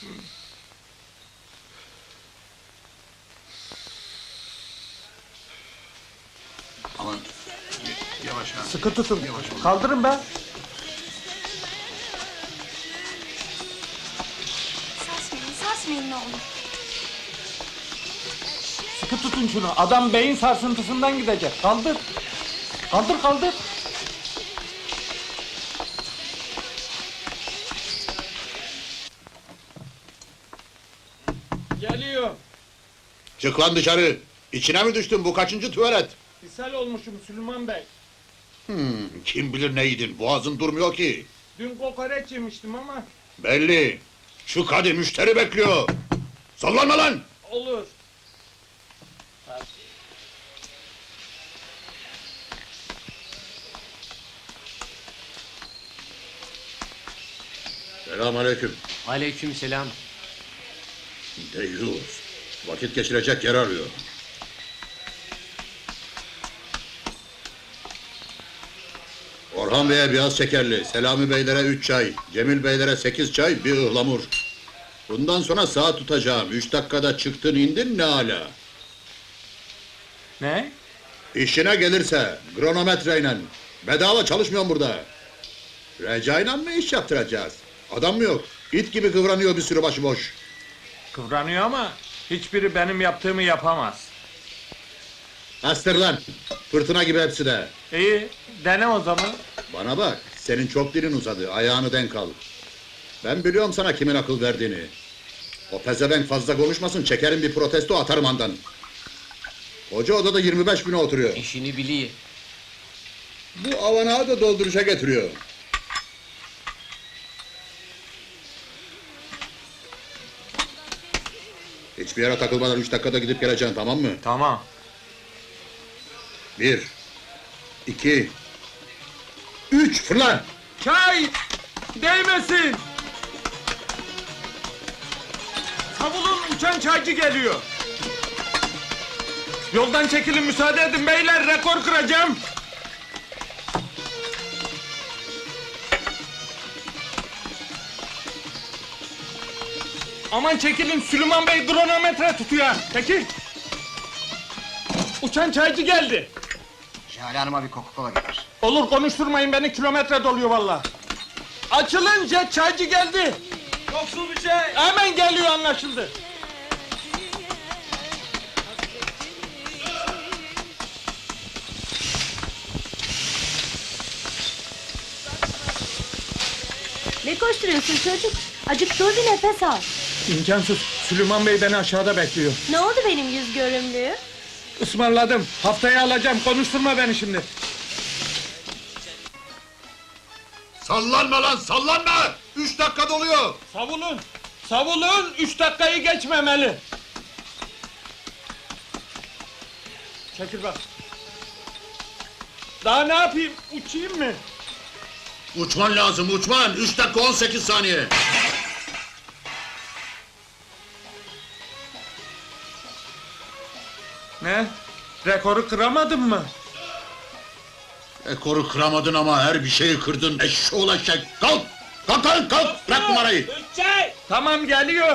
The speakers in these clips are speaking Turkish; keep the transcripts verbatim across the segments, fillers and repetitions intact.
Aman, yavaş ha. Sıkı tutun. Yavaş ol. Kaldırın be. Sarsmayın, sarsmayın ne olur. Sıkı tutun şunu. Adam beyin sarsıntısından gidecek. Kaldır. Kaldır kaldır. Geliyor. Çık lan dışarı! İçine mi düştün, bu kaçıncı tuvalet? İshal olmuşum Süleyman Bey. Hmm, kim bilir ne yedin, boğazın durmuyor ki. Dün kokoreç yemiştim ama Belli! Şu hadi, müşteri bekliyor! Sallanma lan! olur. Selamünaleyküm. Aleykümselam. Deyyus! Vakit geçirecek yer arıyor. Orhan Bey'e biraz şekerli, Selami Beylere üç çay, Cemil Beylere sekiz çay, bir ıhlamur. Bundan sonra saat tutacağım, üç dakikada çıktın indin ne ala. Ne? İşine gelirse, kronometreyle. Bedava çalışmıyorum burada. Recai'yle mı iş yaptıracağız? Adam mı yok? İt gibi kıvranıyor bir sürü başıboş. Kıvranıyor ama hiçbiri benim yaptığımı yapamaz. Astır lan! Fırtına gibi hepsi de. İyi, dene o zaman. Bana bak, senin çok dilin uzadı, ayağını denk al. Ben biliyorum sana kimin akıl verdiğini. O pezevenk fazla konuşmasın, çekerim bir protesto atarım andan. Hoca odada yirmi beş bine oturuyor. İşini biliyor. Bu avanağı da dolduruşa getiriyor. Hiçbir yere takılmadan üç dakikada gidip geleceksin, tamam mı? Tamam. Bir, iki, üç, fırla! Çay! Değmesin! Savulun, uçan çaycı geliyor. Yoldan çekilin, müsaade edin beyler, rekor kıracağım. Aman çekilin, Süleyman Bey kronometre tutuyor. Çekil! Uçan çaycı geldi. Jale Hanım'a bir Coca-Cola getir. Olur, konuşturmayın beni, kilometre doluyor vallahi. Açılın, jet çaycı geldi. Yoksul bir şey. Hemen geliyor, anlaşıldı. Ne koşturuyorsun çocuk? Acık dur bir nefes al. İmkansız, Süleyman Bey beni aşağıda bekliyor. Ne oldu benim yüz görümlüğüm? Ismarladım, haftaya alacağım, konuşturma beni şimdi. Sallanma lan, sallanma! Üç dakika doluyor! Savulun, savulun, üç dakikayı geçmemeli. Çekil bak. Daha ne yapayım, uçayım mı? Uçman lazım, uçman! Üç dakika on sekiz saniye! Ne? Rekoru kıramadın mı? Ekoru kıramadın ama her bir şeyi kırdın, eşşoğlu eşek! Kalk! Kalk kalk kalk! Bırak numarayı! Tamam, geliyor.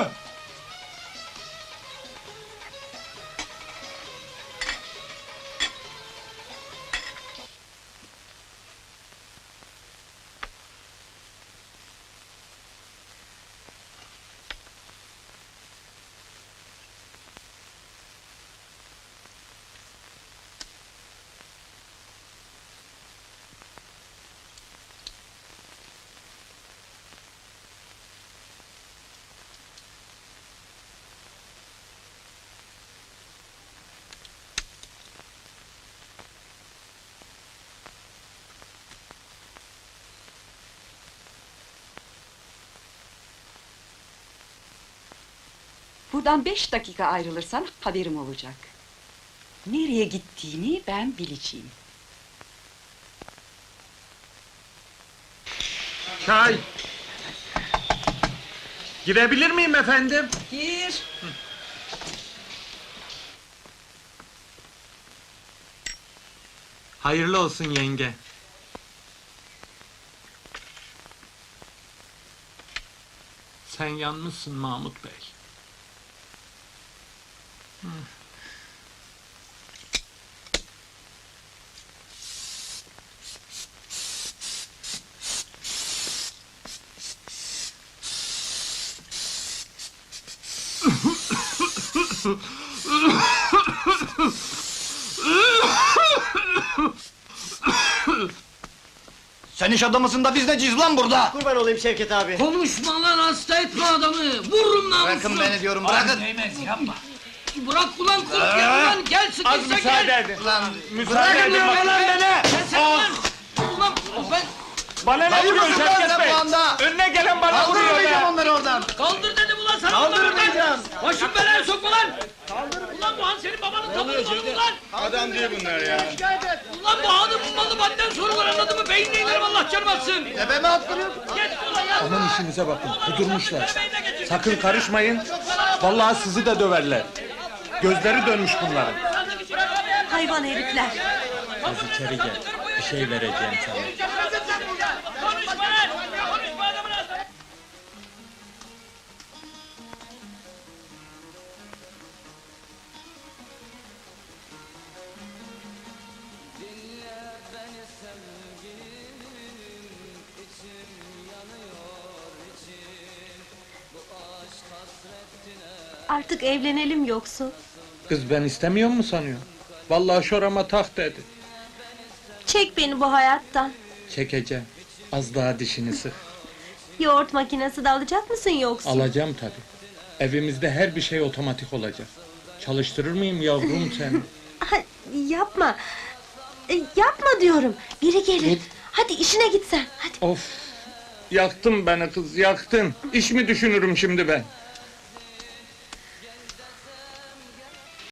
Buradan beş dakika ayrılırsan haberim olacak. Nereye gittiğini ben bileceğim. Çay. Girebilir miyim efendim? Gir. Hayırlı olsun yenge. Sen yanmışsın Mahmut Bey. Sen iş adamısın da biz neciyiz lan burada? Kurban olayım Şevket abi. Konuşma lan, hasta etme adamı! Vururum namusunu! Bırakın beni diyorum, bırakın. Değmez, yapma! Bırak ulan kurt yanından, gel sıkışsa Az müsaade gel! edin. Lan Müsaade edin Bırakın bak. lan beni! Sen Ah! lan! Ulan ben Bana ne Lan vuruyorsun vurursun lan Şevket sen Bey? bu anda. Önüne gelen bana vuruyor Kaldırmayacağım be. onları oradan. kaldır dedim ulan sana! Kaldırmayacağım! Başım belaya sokma lan! Ulan bu han senin babanın tabanı malı ulan! Adam değil bunlar ya. Ulan bu hanın malı benden sorular anladın mı? Beynine inerim Allah canım atsın! Tepeme attırıyorsun. Geç ulan ya! Aman işinize bakın, kudurmuşlar. Beynine geçir. Sakın karışmayın. Vallahi sizi de döverler. Gözleri dönmüş bunların. Hayvan herifler. Az içeri gel. Bir şey vereceğim sana. Konuşma lan! Konuşma adamın ağzına! Artık evlenelim yoksa. Kız ben istemiyor mu sanıyor? Vallahi şorama tak dedi. Çek beni bu hayattan. Çekeceğim. Az daha dişini sık. Yoğurt makinesi de alacak mısın yoksa? Alacağım tabii. Evimizde her bir şey otomatik olacak. Çalıştırır mıyım yavrum seni? Ha, yapma. E, yapma diyorum. Biri gelir. Hadi işine git sen. Hadi. Of! Yaktın beni kız, yaktın. İş mi düşünürüm şimdi ben?